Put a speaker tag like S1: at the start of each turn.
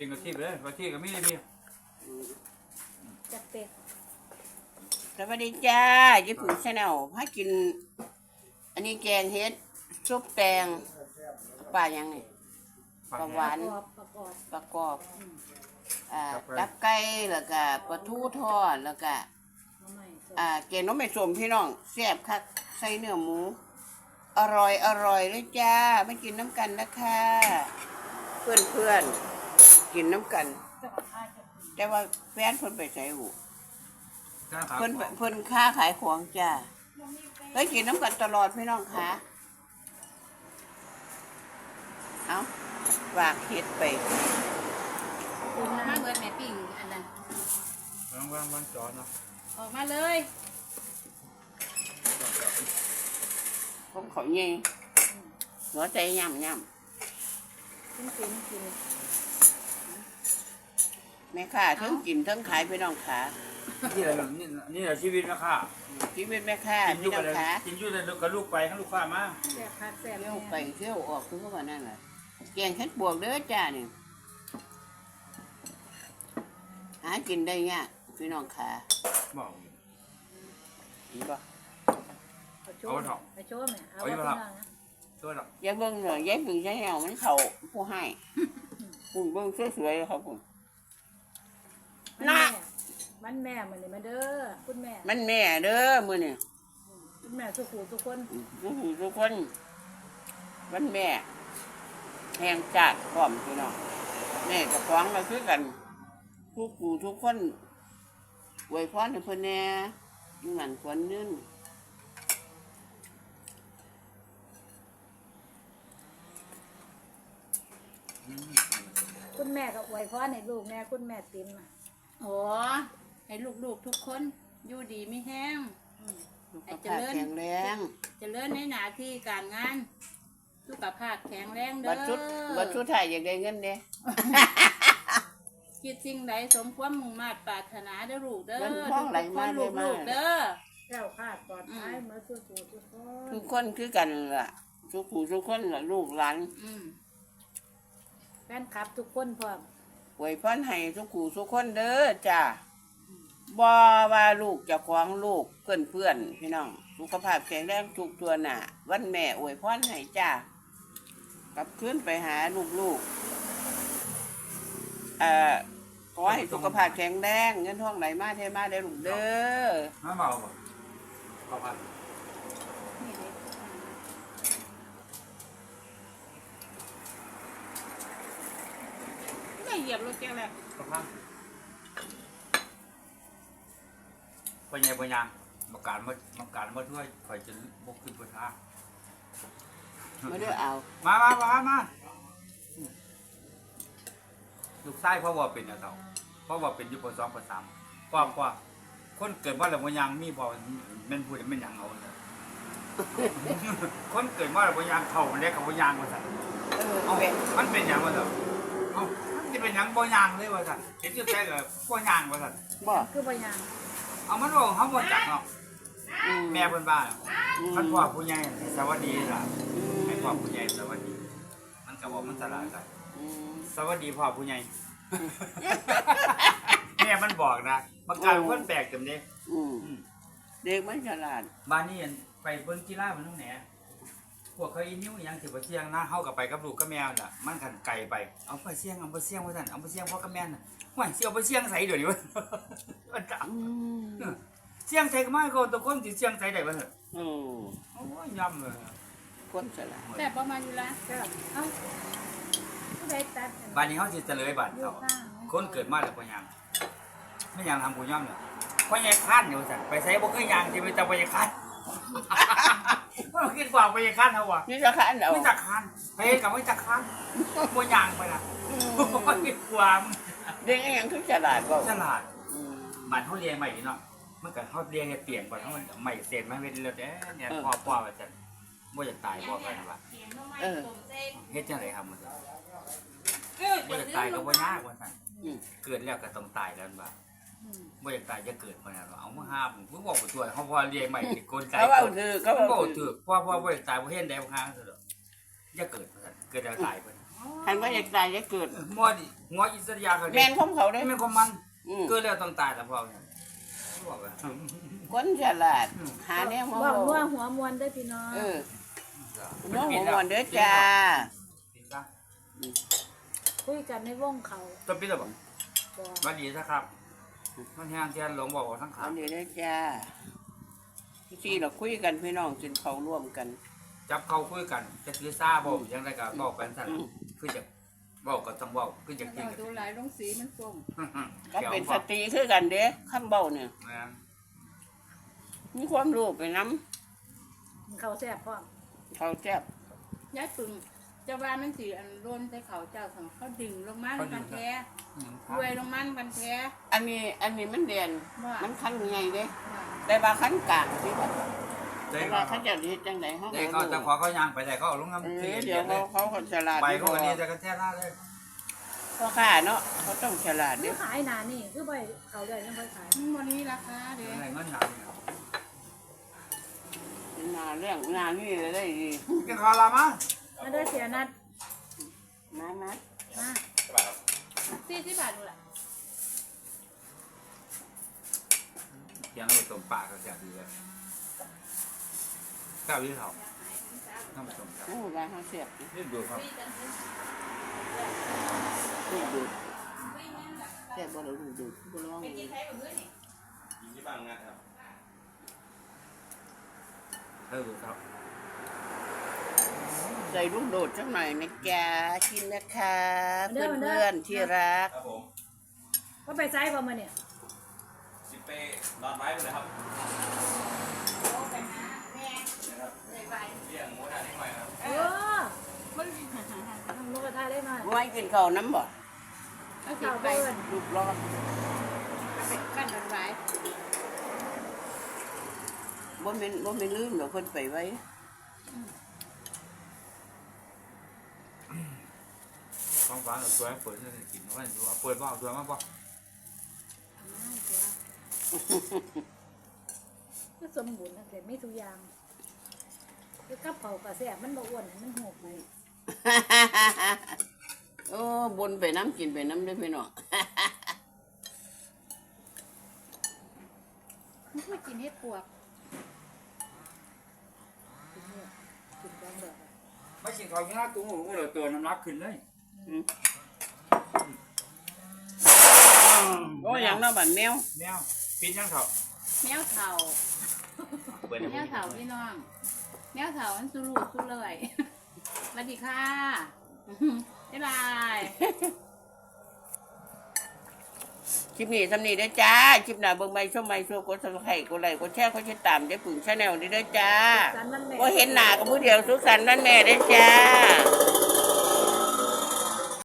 S1: กินกะทิไปเลยกะทิก็ไม่ได้มี
S2: จัดเป็ด
S3: สวัสดีจ้าญี่ปุ่นชาแนลพากิน อันนี้แกงเฮ็ดซุปแตงปลายังไงปลาหวาน
S2: ประกอบ
S3: ปลากรอบตับไก่แล้วก็ปลาทูทอดแล้วก็
S2: มาใหม่สด
S3: แกงน้ำไม่ส้มพี่น้องแซ่บคักใส่เนื้อหมูอร่อยเลยจ้าไม่กินน้ำกันนะคะเพื่อนกินน้ำกัน แต่ว่าแฟนเพิ่นไปใส่หูเพิ่นค้าขายของจ้าเฮ้ยกินน้ำกันตลอดพี่น้องคะเอาฝากเฮ็ดไป
S2: คุณมาเบิดแม่ปิ่งอันนั้น
S1: วันจอเนาะ
S2: ออกมาเลย
S3: ผมเขาเย่หัวใจย่ำ
S2: กิน
S3: แม่ค้าทั้งกินทั้งขายพี่น้องขา
S1: นี่แหละนี่แหละชีวิตนะค่ะ
S3: ชีวิตแม่ค้า
S1: กินอ
S3: พี่
S1: ยู่
S3: น้
S1: กั
S3: อบ งขา
S1: กินอยู่กับลูกไปทั้งลูกค้ามา
S2: แซ่บคักแซ่บ
S3: เที่ยว
S2: แน่
S3: ไปเที่ยวออกคือว่านั่นแหละแกงเฮ็ดบวกเด้อจ้านี่หากินได้ยากพี่น้องขา
S1: บอก
S3: เห็นบ่
S2: เอาโชว์เอาโชว์แม่เอาไว้ข้างล่างนะ
S1: ตัวหรอก
S3: อย่าเบิ่งเลยอย่าเบิ่งอย่าแหวมันเข้าผู้ให้คุณเบิ่งสวยๆครับผม
S2: มันแม่มันนี่มาเด้อคุณแม่
S3: มันแม่เด้อมื้อนี้
S2: คุณแม่สุขูทุกคน
S3: ทุกคนมันแม่แห่งจัดพร้อมพี่น้องแม่กับฟ้องมาคือกันทุกผู้ทุกคนอวยพรให้เพิ่นแน่อยู่นั่นควรยืน
S2: คุณแม่ก็อวยพรให้ลูกแม่คุณแม่ติ๋มอ่ะ
S4: โอ้ให้ลูกๆทุกคนอยู่ดีไม่แห้ง
S3: สุขภาพแข็งแรง
S4: เจริญในหน้าที่การงานสุขภาพแข็งแรงเด้
S3: บัดชุดไทยอยากได้เงินเด้
S4: คิดสิ่งใดสมความมุ่งมั่นปรารถนาเด้อลูกเด้อ
S3: เงินทองไหลมา
S4: ลูก
S3: มา
S4: เด้อ
S2: แก้วคาดปลอดภัยมาสุขูทุกคน
S3: ทุกคนคือกันล่ะทุกผู้ทุกคนล่ะลูกหลาน
S2: แฟนคลับทุกคนพร้อม
S3: อวยพรให้ทุกผู้ทุกคนเด้อจ้าบ่ว่าลูกเจะของลูกเพื่อนพี่น้องสุขภาพแข็งแรงทุกตัวหน้าวันแม่อวยพรให้จ้ากลับคืนไปหาลูกขอให้สุขภาพแข็งแรงเงินทองไหลมาเทมาได้ลูกเด้อ
S1: น้ำเมาบ่ขอบคุณ
S4: นี่เด้ ไม่เหยียบรถแกแล้ว
S1: ขอบคุณปัญญามาการมาด้วยคอยจะบกขึ้นบนทาง
S3: มาเด้อเอา
S1: มาลูกชายพ่อว่าเป็นอะเต่าพ่อว่าเป็นอยู่ปสองปสามพ่อคนเกิดว่าแล้วบ่ยังมีพ่อแม่นพูดแม่นหยังเอาเนี่ยคนเกิดว่าแล้วบ่ยังเข้าแล้วก็บ่ยังว่าซั่นเอ้ามันเป็นหยังวะเต่าเอ้ามันสิเป็นหยังบ่ยังเลยว่าซั่นเห็นอยู่แต่ก็บ่ยังว่าซั่น
S3: บ่
S2: คือบ่ยัง
S1: เอามันบอกเฮาบ่จักเนาะ
S3: อื
S1: แม่เพิ่นว่าคันพ่อผู้ใหญ่สวัสดีล่ะให้พ่อผู้ใหญ่สวัสดีมันก็บอกมันสลาดกัน
S3: อืม
S1: สวัสดีพ่อผู้ใหญ่ แม่มันบอกนะมันกลายเป็นคนแปลกจังเด้
S3: อืมเด็กมันฉลาด
S1: บ้านนี้ไปเบิ่งกีฬามันตรงไหนพวกเขาอีนิ้วอีหยังสิบ่เสี่ยงนะเฮาก็ไปกับลูกกับแมวน่ะมันคันไกลไปเอาไปเสี่ยงว่าซั่นเอาไปเสี่ยงพ่อกับแม่น่ะห่วยสิเอาไปเสี่ยงไสเดี๋ยวนี้วะ มันจัง
S3: อืม
S1: เสี่ยงไสก็มาก็ตะคนสิเสี่ยงไสได้บ่เหรอ
S3: โอ้
S1: โอ้ยย่ำเลย
S3: คนฉลาด
S4: แต่ประมาณอยู่ละ
S2: ก็เอ้าผู้ใดตัด
S1: บ้านนี้เฮาสิเฉลยบัด
S2: อยู่
S1: เขา
S2: ข้าง
S1: คนเกิดมาแล้วบ่ยังไม่ยังทำกูย่ำเนี่ยพ่อใหญ่คันอยู่ซั่นไปไสบ่เคยยังสิไปแต่พ่อใหญ่คัน ว่าคิดว่าพ่อใหญ่คันเฮาว่ะ
S3: นี่จะขันเอา
S1: ไม่จักคันไปเฮ็ดกับไม่จักคันบ่ยังไปล่ะโอ้ยกว่ามึง
S3: เด็กยังคือฉลาดบ่
S1: ฉลาด
S3: อืม
S1: บ้านเฮาเรียนใหม่เนาะมันก็เฮาเรียนให้เปลี่ยนก่อนเฮามันใหม่เสร็จมาเฮ็ดแล้วเนี่ยพ่อว่าซั่นบ่อยากตายบ่ไปนะว่า
S3: เออ
S1: เฮ็ดจังได๋ครับมันบ่อยากตายก็บ่ยากว่าซั่น
S3: อืม
S1: เกิดแล้วก็ต้องตายแล้วว่าบ่อยากตายจะเกิดมาแล้วเอามาห้ามมึงบอกบ่ตัวเฮาพอเรียนใหม่นี่กลไก
S3: เขาเอาถือเขา
S1: เขา
S3: เอา
S1: บอก
S3: ถื
S1: ถื
S3: อ
S1: อพ่อบ่อยากตายบ่เห็นได้บ่ค้างซะดอกอย่าเกิดว่าซั่นเกิดแล้วตายเพิ่น
S3: คันว่าอยากตายอยากเกิด
S1: มอดิงออิสริยาเขา
S3: แมนของเขาเด้
S1: ไม่ของมัน
S3: อืม
S1: เกิดแล้วต้องตายแต่พอเนี่ยบอกว่า
S3: คนฉลาดหาแนวมา
S2: บอก
S3: บ
S2: ว่า
S3: อก
S2: หัวมวนได้อพี่น้อง
S3: เออน้องหัวมวนเด้อจ้า
S2: คุยกันในวงเขา
S1: ตัวปิดแล้วบอก
S2: บอก
S1: มาดีนะครับมันแห้งเทียนหลงบอกว่าทั้งขา
S3: เอาเดี๋ยวเด้อจ้าที่เราคุยกันพี่น้องกินเขาวร่วมกัน
S1: จับเขาคุยกันจะถือซาบอกยังไงก็บอกกันสั่นคือจะบอกก็ต้องบอกคือจะกิน
S4: เอาดูหลายลงสีมันส่ง
S3: ก็เป็นสตรีคือกันเด้คำเบ้าเนี่ย
S1: นะ
S3: มีความรู้ไปน้
S2: เขาแซ่บพร้อม
S3: ำเขาแซ่บ
S4: ยายปึงเจ้าบ้านมันสีอันร่นใส่เขาเจ้าของเขาดึงลงมาในกันแท้รวยลงมาในกันแท้
S3: อันนี้มันเด่น
S4: ว่า
S3: มันขั้นใหญ่เด้แต่ว่าขั้นกลางที่ว่า
S1: เด็
S3: แต่
S1: ก
S3: ว่าเขาจะเฮ็ดจังไดเขา
S1: เด็กเขาจะขอเขายางไปแต่เขาเอาลงน้ำ
S3: เอ
S1: เสี
S3: อย เดี๋ยวเขาคนฉลาด
S1: ไป
S3: ที่
S1: พวกนี้จะกันแท้ล่าเลย
S3: พ่อค้าเนาะเขาต้องฉลาด
S2: นี่
S3: เด้
S2: ขายหนานี่คือไปเขาได้ยังไปขาย
S4: วันนี้ราคาเด้
S1: อะไรเงินหนาเนี่ย
S3: นาเรื่องงานนี่ได้ดี
S1: กินข้าวละมั้ง
S2: มาได้อเสียนัด
S3: มา
S2: มา
S4: 40 บาทนู่นแหละ
S1: ยังเอาไปต้มปลาก็แซ่บดีเลยข้าวยี่เขาน้ำต้มครับ
S3: โอ้ร้านเขาเสียบ
S1: นี่ดูครับ
S3: ดูดูแซ่บบ่เราดูดูบ่ลอง
S1: ดูครับ
S3: ใส่ลูกโดดสักหน่อยนะจ๊ะกินนะคะเพื่อนๆที่รัก
S5: ครับผม
S2: ก็ไปไซส์ประมาณเนี่ย
S5: สิเป้นอนไม้ไปเลยครับเรียงหมูทานนิดหน่อยครับ
S2: เออมันทำนกกระทาได้มา
S3: ไว้กินข้าวน้ำบ่
S4: เอาสิ
S2: ข่าว
S4: ไป
S2: เบิ้ล
S3: ลูกรอด
S4: กันกันไว้
S3: บ่แม่นลืมดอกเพิ่นไปไว้
S1: ของหวานเอาตัวให้เปิดให้กินเอาไว้ดูเอาเปิดบ่เอาตัวมาบ่
S2: ก็สมบูรณ์นะแต่ไม่ทุกอย่างคือกับเขากระแซ่บมันบ่อ้วนมันโหกไป
S3: โอ้บนไปน้ำกินไปน้ำเด้วยพี่น้อง
S4: มันคือกินเฮ็ดปวก
S2: กินเนี่ยกินบางแบบ
S1: ไม่กินข้าวง่ายตุ้งหูเลยตัวน้ำหนักขึ้นเลย
S3: โอ้อย่างน้าบันแมว
S1: แมวปินยังเถอะ
S4: แมวเฒ่า
S1: เปิด
S4: แมวเฒ่าพี่น้องแมวเฒ่ามันสุรุ่ยสุร่ายสวัสดีค่ะบ๊ายบาย
S3: คลิปนี้ทำนี้ได้อจ้า คลิปหน้าเบิ่งใหม่ชมใหม่ช่วยกดซับสไครต์กดไลค์กดแชร์กดติดตามได้ปึ่งชาแนลนี้ได้อจ้า
S2: สันมันแม่
S3: ว่าเห็นหน้ากับผู้เดียวสุขสันต์วันแม่ได้อจ้า